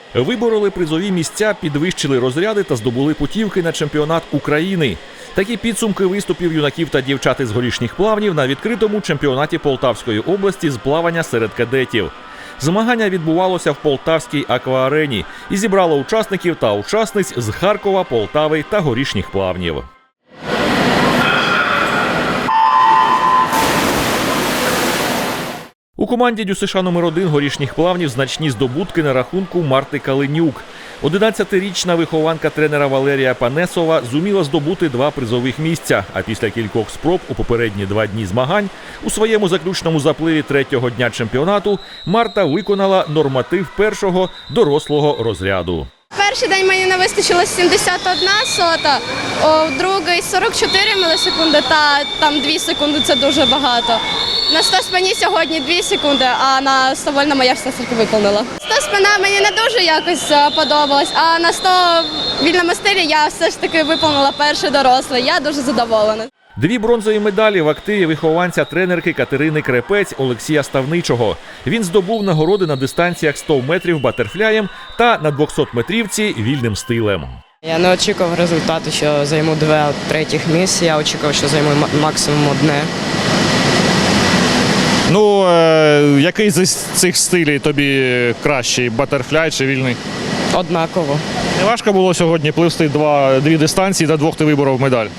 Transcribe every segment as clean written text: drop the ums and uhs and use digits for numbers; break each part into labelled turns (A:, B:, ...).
A: Вибороли призові місця, підвищили розряди та здобули путівки на чемпіонат України. Такі підсумки виступів юнаків та дівчат із Горішніх Плавнів на відкритому чемпіонаті Полтавської області з плавання серед кадетів. Змагання відбувалося в Полтавській акваарені і зібрало учасників та учасниць з Харкова, Полтави та Горішніх Плавнів. У команді ДЮСШ номер 1 Горішніх Плавнів значні здобутки на рахунку Марти Калинюк. 11-річна вихованка тренера Валерія Панесова зуміла здобути 2 призових місця, а після кількох спроб у попередні 2 дні змагань у своєму заключному запливі 3-го дня чемпіонату Марта виконала норматив першого дорослого розряду.
B: Перший день мені не вистачило 71 сота, у другий 44 мілісекунди та там 2 секунди – це дуже багато. На 100 спині сьогодні 2 секунди, а на 100 вольному я все таки виконала. 100 спина мені не дуже якось подобалась, а на 100 вільному стилі я все ж таки виконала перший дорослий. Я дуже задоволена.
A: 2 бронзові медалі в активі вихованця тренерки Катерини Крепець Олексія Ставничого. Він здобув нагороди на дистанціях 100 метрів батерфляєм та на 200-метрівці вільним стилем.
C: Я не очікував результату, що займу 2 третіх місць. Я очікував, що займу максимум 1.
D: Ну, який з цих стилів тобі кращий, батерфляй чи вільний?
C: Однаково.
D: Не важко було сьогодні пливсти 2 дистанції, та 2 ти виборов медаль?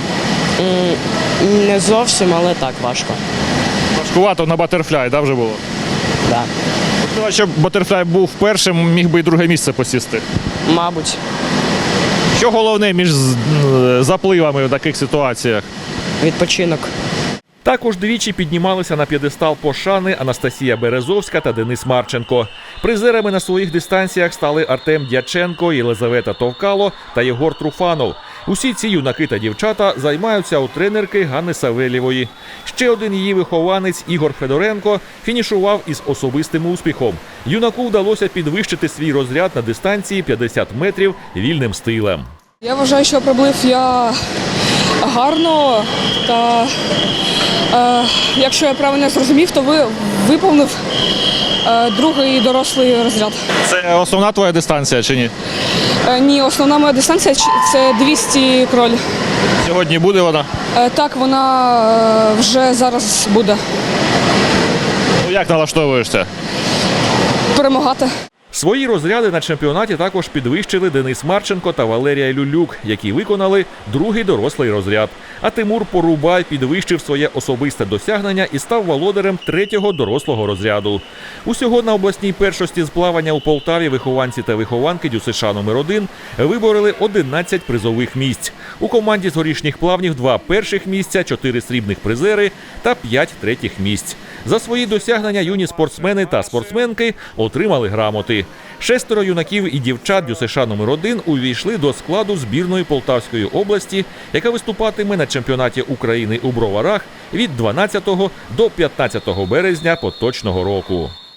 C: Не зовсім, але так важко.
D: Важкувато на батерфляй, да, вже було?
C: Да.
D: Якщо б батерфляй був першим, міг би і 2 місце посісти.
C: Мабуть.
D: Що головне між запливами в таких ситуаціях?
C: Відпочинок.
A: Також двічі піднімалися на п'єдестал пошани Анастасія Березовська та Денис Марченко. Призерами на своїх дистанціях стали Артем Дяченко, Єлизавета Товкало та Єгор Труфанов. Усі ці юнаки та дівчата займаються у тренерки Ганни Савельєвої. Ще один її вихованець Ігор Федоренко фінішував із особистим успіхом. Юнаку вдалося підвищити свій розряд на дистанції 50 метрів вільним стилем.
E: Я вважаю, що приплив я гарно, та якщо я правильно зрозумів, то виповнив 2-й дорослий розряд.
D: Це основна твоя дистанція чи ні?
E: Ні, основна моя дистанція – це 200 кроль.
D: Сьогодні буде вона?
E: Так, вона вже зараз буде.
D: Ну, як налаштовуєшся?
E: Перемагати.
A: Свої розряди на чемпіонаті також підвищили Денис Марченко та Валерія Люлюк, які виконали 2-й дорослий розряд. А Тимур Порубай підвищив своє особисте досягнення і став володарем 3-го дорослого розряду. Усього на обласній першості з плавання у Полтаві вихованці та вихованки ДЮСШ номер 1 вибороли 11 призових місць. У команді з Горішніх Плавнів 2 перших місця, 4 срібних призери та 5 третіх місць. За свої досягнення юні спортсмени та спортсменки отримали грамоти. 6 юнаків і дівчат ДЮСШ номер 1 увійшли до складу збірної Полтавської області, яка виступатиме на чемпіонаті України у Броварах від 12 до 15 березня поточного року.